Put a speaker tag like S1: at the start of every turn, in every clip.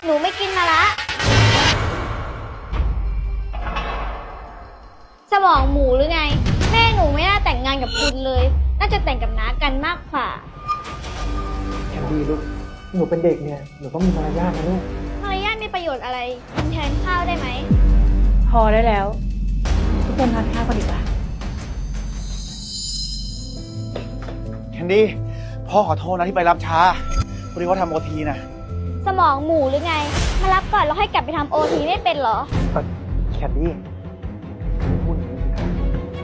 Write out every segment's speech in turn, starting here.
S1: หนูไม่กินมาละสมองหมูหรือไงแม่หนูไม่น่าแต่งงานกับคุณเลยน่าจะแต่งกับน้ากันมากกว่า
S2: แคนดี้ลูกหนูเป็นเด็กเนี่ยหนูต้องมีมารยาทนะลูก
S1: มารยาทมีประโยชน์อะไรกินแทนข้าวได้ไหม
S3: พอได้แล้วทุกคนทานข้าวกันดีกว่า
S4: แคนดี้พ่อขอโทษนะที่ไปรับช้าพอดีว่าทำโอทีนะ
S1: สมองหมูหรือไงมารับก่อนแล้วให้กลับไปทำโอทีไม่เป็นเหรอ
S2: แคนดี้พูดอย่างนี้สิครับ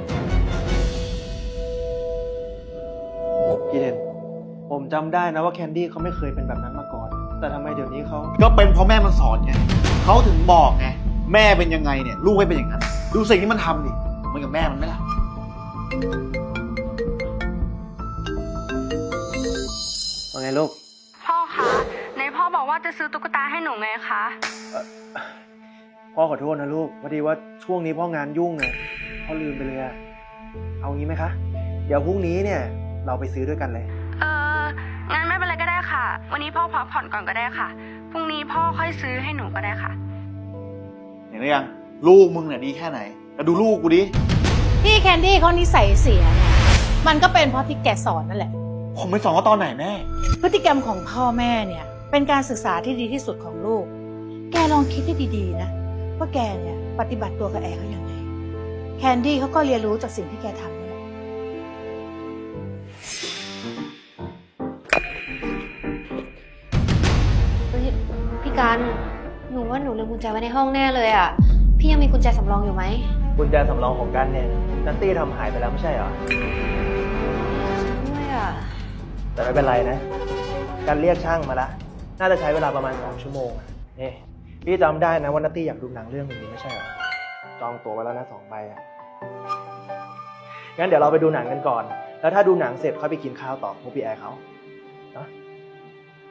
S2: พี่เดนผมจำได้นะว่าแคนดี้เขาไม่เคยเป็นแบบนั้นมาก่อน แต่ทำไมเดี๋ยวนี้เขา
S4: ก็เป็นเพราะแม่มันสอนไงเขาถึงบอกไงแม่เป็นยังไงเนี่ยลูกไม่เป็นอย่างนั้นดูสิ่งที่มันทำดิเหมือนกับแม่มันไหมล่ะ
S2: ว่าไงลูก
S5: พ่อคะในพ่อบอกว่าจะซื้อตุ๊กตาให้หนูไงคะ
S2: พ่อขอโทษนะลูกพอดีว่าช่วงนี้พ่องานยุ่งไงพ่อลืมไปเลยเอางี้ไหมคะเดี๋ยวพรุ่งนี้เนี่ยเราไปซื้อด้วยกันเลย
S5: งั้นไม่เป็นไรก็ได้ค่ะวันนี้พ่อพักผ่อนก่อนก็ได้ค่ะพรุ่งนี้พ่อค่อยซื้อให้หนูก็ได้ค่ะ
S4: เห็นหรือยังลูกมึงเนี่ยดีแค่ไหนแล้วดูลูกกูดิ
S3: พี่แคนดี้เขานิสัยเสียเนี่ยมันก็เป็นเพราะที่แกสอนนั่นแหละ
S4: ผมไปสอนเขาตอนไหนแม่
S3: พฤติกรรมของพ่อแม่เนี่ยเป็นการศึกษาที่ดีที่สุดของลูกแกลองคิดให้ดีๆนะว่าแกเนี่ยปฏิบัติตัวกับแอร์เขาอย่างไรแคนดี้เขาก็เรียนรู้จากสิ่งที่แกทำนั่นแหละ
S6: พี่กันหนูว่าหนูลืมกุญแจไว้ในห้องแน่เลยอ่ะพี่ยังมีกุญแจสำรองอยู่ไหม
S2: กุญแจสำรองของกันเนี่ยนัตตี้ทำหายไปแล้วไม่ใช่เหรอ
S6: ด้วยอ่ะ
S2: แต่ไม่เป็นไรนะการเรียกช่างมาละน่าจะใช้เวลาประมาณ2 ชั่วโมงนี่พี่จำได้นะว่านัตตี้อยากดูหนังเรื่องนี้ไม่ใช่เหรอจองตั๋วไว้แล้วนะ2 ใบงั้นเดี๋ยวเราไปดูหนังกันก่อนแล้วถ้าดูหนังเสร็จค่อยไปกินข้าวต่อพวกพี่แอร์เขาเนาะไป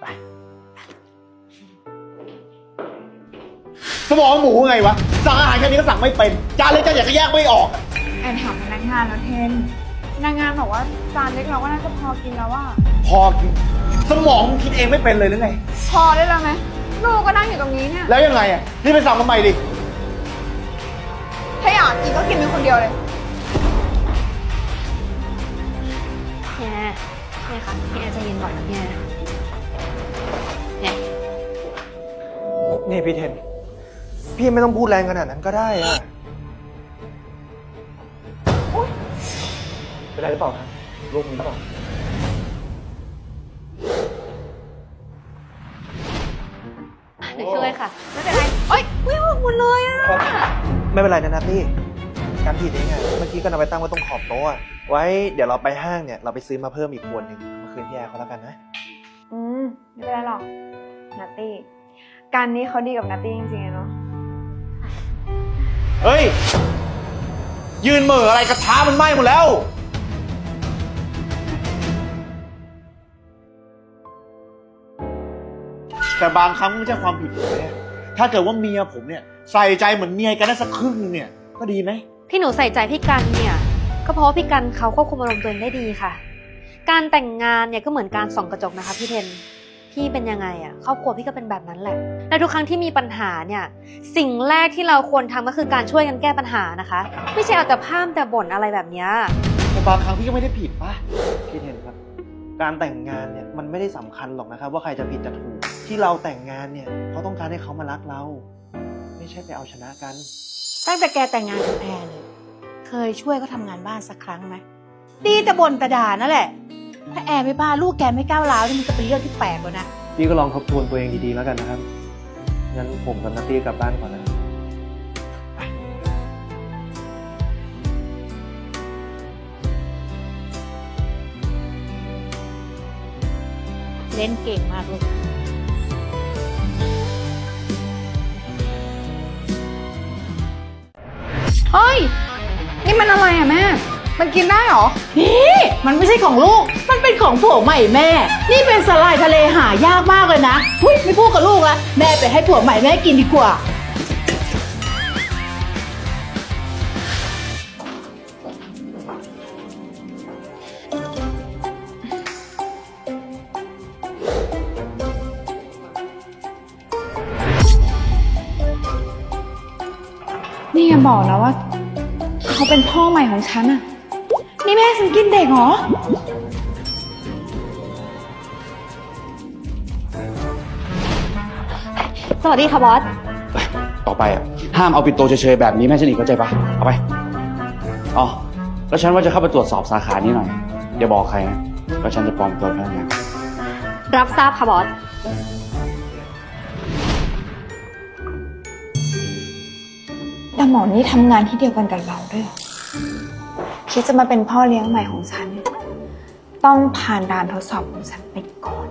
S4: สมองหมูไงวะสั่งอาหารแค่นี้ก็สั่งไม่เป็นจานเล็กจานใหญ่ก็แยกไม่ออก
S7: แอนถามพนักงานแล้วเทนพนักงานบอกว่าจานเล็กเราก็น่าจะพอกินแล้วว่า
S4: พอกินสมองมึงคิดเองไม่เป็นเลยหรือไง
S7: พอได้แล้วไหมลูกก็นั่งอยู่ตรงนี้เนี่ย
S4: แล้วยังไงอ่ะนี่ไปสั่งทำไมดิ
S7: ถ้าอยากกินก็กินเป็นคนเดียวเลย
S6: พี่แอร์เนี่ยค่ะพี่แอร์ใจเย็นก่อนนะพี่แอร์เนี่ย
S2: นี่พี่เทนพี่ไม่ต้องพูดแรงขนาดนั้นก็ได้อะเป็นไรหรือเปล่าครับลูกมีหรือเปล่า
S6: เดี๋ยวช่วยค่ะ
S7: ไม่เป็นไรเอ้ยไม่ออกหมดเลยอ่ะ
S2: ไม่เป็นไรนะนัทนี่การผิดเองอะเมื่อกี้ก็นำไปตั้งไว้ตรงขอบโต๊ะไว้เดี๋ยวเราไปห้างเนี่ยเราไปซื้อมาเพิ่มอีกขวดหนึ่งมาคืนพี่แอร์เขาแล้วกันนะ
S7: ไม่เป็นไรหรอกนัตตี้การนี้เขาดีกับนัตตี้จริงๆเนาะ
S4: เฮ้ยยืนเหม่ออะไรกระทะมันไหม้หมดแล้วแต่บางครั้งไม่ใช่ความผิดผมเนี่ยถ้าเกิดว่าเมียผมเนี่ยใส่ใจเหมือนเมียกันได้สักครึ่งนึงเนี่ยก็ดีไหม
S6: ที่หนูใส่ใจพี่กันเนี่ยก็เพราะว่าพี่กันเขาควบคุมอารมณ์ตัวเองได้ดีค่ะการแต่งงานเนี่ยก็เหมือนการส่องกระจกนะคะพี่เทนพี่เป็นยังไงอะครอบครัวพี่ก็เป็นแบบนั้นแหละและทุกครั้งที่มีปัญหาเนี่ยสิ่งแรกที่เราควรทำก็คือการช่วยกันแก้ปัญหานะคะไม่ใช่เอาแต่พร่ำแต่บ่นอะไรแบบนี้
S4: แต่บางครั้งพี่ก็ไม่ได้ผิดป่ะ
S2: พี่เทนครับการแต่งงานเนี่ยมันไม่ได้สำคัญหรอกนะครับว่าใครจะผิดจะถูกที่เราแต่งงานเนี่ยเขาต้องการให้เขามารักเราไม่ใช่ไปเอาชนะกัน
S3: ตั้งแต่แกแต่งงานกับแอร์เนี่ยเคยช่วยเขาทำงานบ้านสักครั้งไหมดีแต่บ่นแต่ด่านั่นแหละถ้าแอร์ไม่บ้าลูกแกไม่ก้าวร้าวนี่มันก็เป็นเรื่องที่แปลกแล้วนะ
S2: พี่ก็ลองทบทวนตัวเองดีๆแล้วกันนะครับงั้นผมกับนัตตี้กลับบ้านก่อนนะ
S3: เล่นเก่งมากลูก
S7: เฮ้ยนี่มันอะไรอ่ะแม่มันกินได้หรอ
S3: นี่มันไม่ใช่ของลูกมันเป็นของผัวใหม่แม่นี่เป็นสาหร่ายทะเลหายากมากเลยนะหุ้ยไม่พูดกับลูกละแม่ไปให้ผัวใหม่แม่กินดีกว่า
S7: นี่อย่าบอกนะว่า เขาเป็นพ่อใหม่ของฉันอะนี่แม่ฉันกินเด็กเหรอ
S6: สวัสดีค่ะบอส
S8: ต่อไปอ่ะห้ามเอาปิดโตเฉยๆแบบนี้แม่ฉันอีกเข้าใจปะเอาไปอ๋อแล้วฉันว่าจะเข้าไปตรวจสอบสาขานี้หน่อยอย่าบอกใครนะแล้วฉันจะปลอมตัวพนักงาน
S6: รับทราบค่ะบอส
S7: แต่หมอนี่ทำงานที่เดียวกันกับเราด้วยเหรอคิดจะมาเป็นพ่อเลี้ยงใหม่ของฉัน ต้องผ่านด่านทดสอบของฉันไปก่อน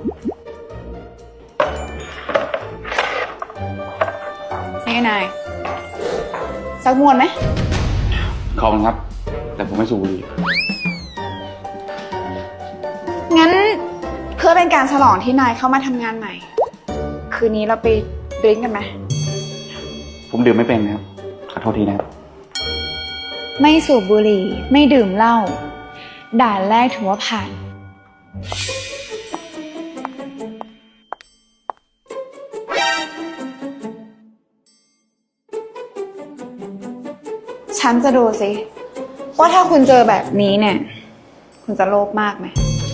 S7: นี่นายสักมวนไหม
S8: ขอบคุณครับ แต่ผมไม่สูบบุหรี่
S7: งั้นเพื่อเป็นการฉลองที่นายเข้ามาทำงานใหม่ คืนนี้เราไปดริ้งกันไหม
S8: ผมดื่มไม่เป็นนะครับขอโทษทีนะครับ
S7: ไม่สูบบุหรี่ไม่ดื่มเหล้าด่านแรกถือว่าผ่าน ฉันจะดูสิว่าถ้าคุณเจอแบบนี้เนี่ย คุณจะโลภมากไหม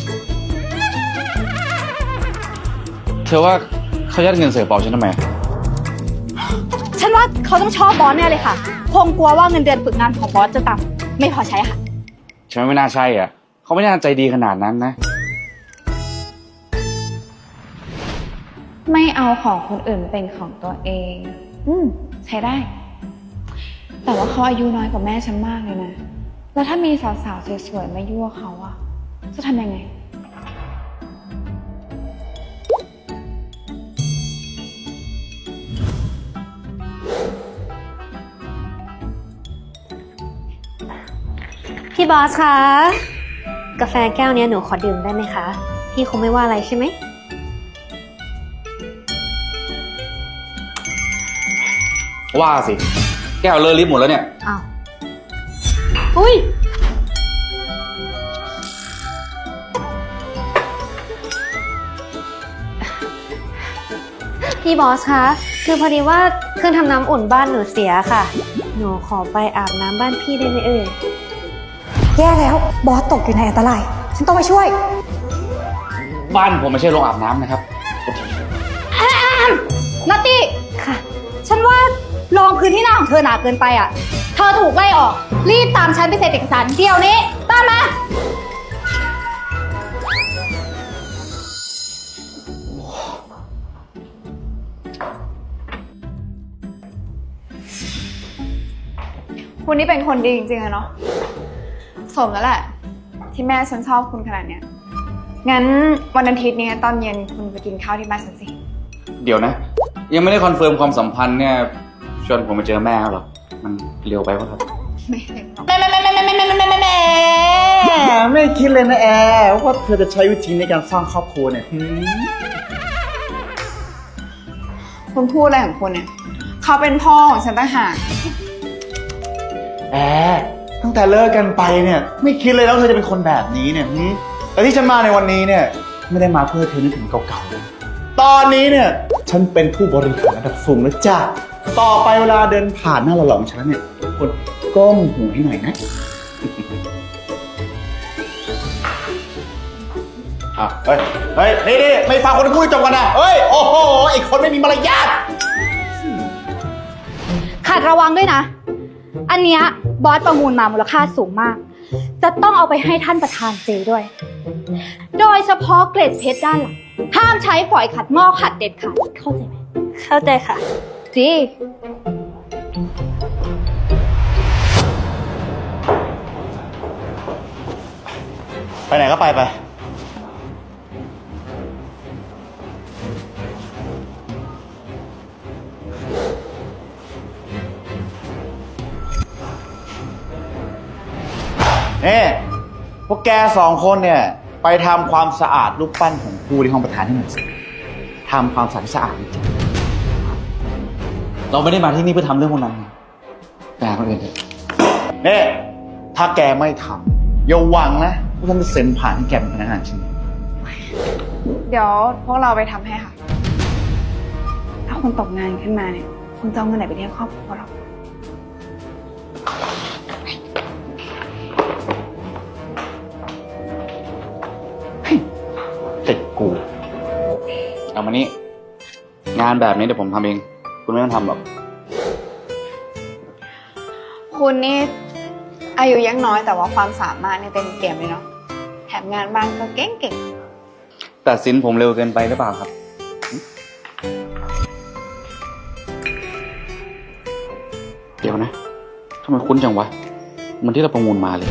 S8: เธอว่าเขายัดเงินเสือเปล่าฉันทำไม
S1: ฉันว่าเขาต้องชอบบอสแน่เลยค่ะ คงกลัวว่าเงินเดือนฝึกงานของบอสจะต่ำไม่พอใช้ค่ะ
S8: ฉันว่าไม่น่าใช่อ่ะเขาไม่น่าใจดีขนาดนั้นนะ
S7: ไม่เอาของคนอื่นเป็นของตัวเอง ใช้ได้ แต่ว่าเขาอายุน้อยกว่าแม่ฉันมากเลยนะ แล้วถ้ามีสาวๆสวยๆมายั่วเขาอะจะทำยังไง
S6: พี่บอสคะ กาแฟแก้วเนี้ยหนูขอดื่มได้ไหมคะ พี่คงไม่ว่าอะไรใช่ไหม
S8: ว่าสิแก้วเลอะลิฟต์หมดแล้วเนี่ย
S6: อ้าว อุ้ย พี่บอสคะ คือพอดีว่าเครื่องทำน้ำอุ่นบ้านหนูเสียค่ะ หนูขอไปอาบน้ำบ้านพี่ได้ไหมเอ่ย
S9: แย่แล้วบอสตกอยู่ในอันตราย ฉันต้องไปช่วย
S8: บ้านผมไม่ใช่โรงอาบน้ำนะครับ
S1: นัตตี้
S6: ค่ะ
S1: ฉันว่ารองพื้นที่หน้าของเธอหนาเกินไปอ่ะ เธอถูกไล่ออก รีบตามฉันไปเซ็นเอกสารเดี๋ยวนี้ ตามมา
S7: คุณนี่เป็นคนดีจริงๆอะเนาะ สมแล้วแหละ ที่แม่ฉันชอบคุณขนาดเนี้ย งั้นวันอาทิตย์นี้ตอนเย็นคุณไปกินข้าวที่บ้านฉันสิ
S8: เดี๋ยวนะ ยังไม่ได้คอนเฟิร์มความสัมพันธ์เนี่ยชวนผมไปเจอแม่หรอมันเร็วไปป่ะครับ
S7: ไม่เลยหรอก
S4: ไม่คิดเลยนะแอร์ว่าเธอจะใช้วิธีในการสร้างครอบครัวเนี่ย
S7: คุณพูดอะไรของคุณเนี่ย เขาเป็นพ่อของฉันต่างหาก
S4: แอร์ตั้งแต่เลิกกันไปเนี่ย ไม่คิดเลยแล้วเธอจะเป็นคนแบบนี้เนี่ยแต่ที่ฉันมาในวันนี้เนี่ย ไม่ได้มาเพื่อเธอนึกถึงเก่าๆเลยตอนนี้เนี่ย ฉันเป็นผู้บริหารระดับสูงแล้วจ้ะต่อไปเวลาเดินผ่านหน้าหล่อๆของฉันเนี่ยคนก้มหูให้หน่อยนะเฮ้ยนี่ไม่ฟังคนพูดจบกันนะเฮ้ยโอ้โหไอ้คนไม่มีมารยาท
S1: ขัดระวังด้วยนะ อันเนี้ยบอสประมูลมามูลค่าสูงมาก จะต้องเอาไปให้ท่านประธานเจด้วย โดยเฉพาะเกล็ดเพชรด้านหลัง ห้ามใช้ฝอยขัดหม้อขัดเด็ดขาด เข้าใจไหม
S6: เข้าใจค่ะ
S1: จี
S4: ไปไหนก็ไปนี่พวกแก2 คนเนี่ย ไปทำความสะอาดรูปปั้นของครูที่ห้องประธานให้หน่อยสิทำความสะอาดให้สะอาดจริง
S8: เราไม่ได้มาที่นี่เพื่อทำเรื่องพวกนั้นแต่คนอื่นเถอะ
S4: นี่ถ้าแกไม่ทำอย่าหวังนะว่าฉันจะเซ็นผ่านให้แกเป็นพนักงานฉัน
S7: เดี๋ยวพวกเราไปทำให้ค่ะ ถ้าคุณตกงานขึ้นมาเนี่ย คุณจะเอาเงินไหนไปเลี้ยงครอบครัวหรอ
S8: มานี่งานแบบนี้เดี๋ยวผมทำเอง คุณไม่ต้องทำหรอก
S7: คุณนี่อายุยังน้อยแต่ว่าความสามารถเนี่ยเต็มเปี่ยมเลยเนาะ แถมงานบ้านก็เก่ง
S8: ตัดสินผมเร็วเกินไปหรือเปล่าครับ เดี๋ยวนะทำไมคุ้นจังวะเหมันที่เราประมูลมาเลย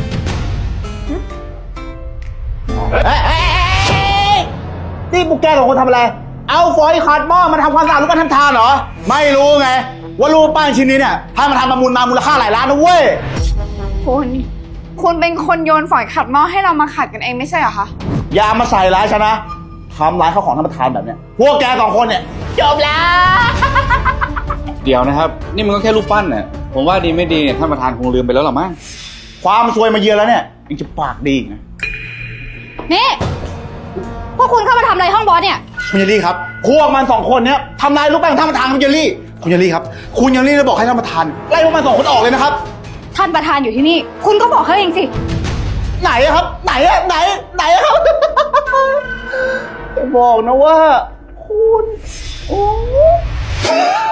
S4: นี่พวกแกสองคนทำอะไร เอาฝอยขัดหม้อมาทำความสะอาดรูปปั้นทำทานเหรอ ไม่รู้ไง ว่ารูปปั้นชิ้นนี้เนี่ยถ้ามาทำประมูลมามูลค่าหลายล้านนะเว้ย
S7: ๆ คุณเป็นคนโยนฝอยขัดหม้อให้เรามาขัดกันเองไม่ใช่เหรอคะ
S4: อย่ามาใส่ร้ายฉันนะทำร้ายข้าวของท่านประธานแบบเนี้ย พวกแกสองคนเนี่ยจบแล้ว
S8: เดี๋ยวนะครับ นี่มันก็แค่รูปปั้นเนี่ยผมว่าดีไม่ดีเนี่ยท่านประธานคงลืมไปแล้วหรอมั้ง
S4: ความซวยมาเยือนแล้วเนี่ยยังจะปากดีอีกนะ
S1: นี่ พวกคุณเข้ามาทำอะไรห้องบอสเนี่ย
S4: คุณเยลลี่ครับ พวกมันสองคนเนี่ยทำลายรูปปั้นของท่านประธานคุณเยลลี่ คุณเยลลี่ครับ คุณเยลลี่เลยบอกให้ท่านประธานไล่พวกมันสองคนออกเลยนะครับ
S1: ท่านประธานอยู่ที่นี่ คุณก็บอกเขาเองสิ
S4: ไหนอะครับ ไหนอะไหนอะครับ อย่าบอกนะว่า คุณโอ้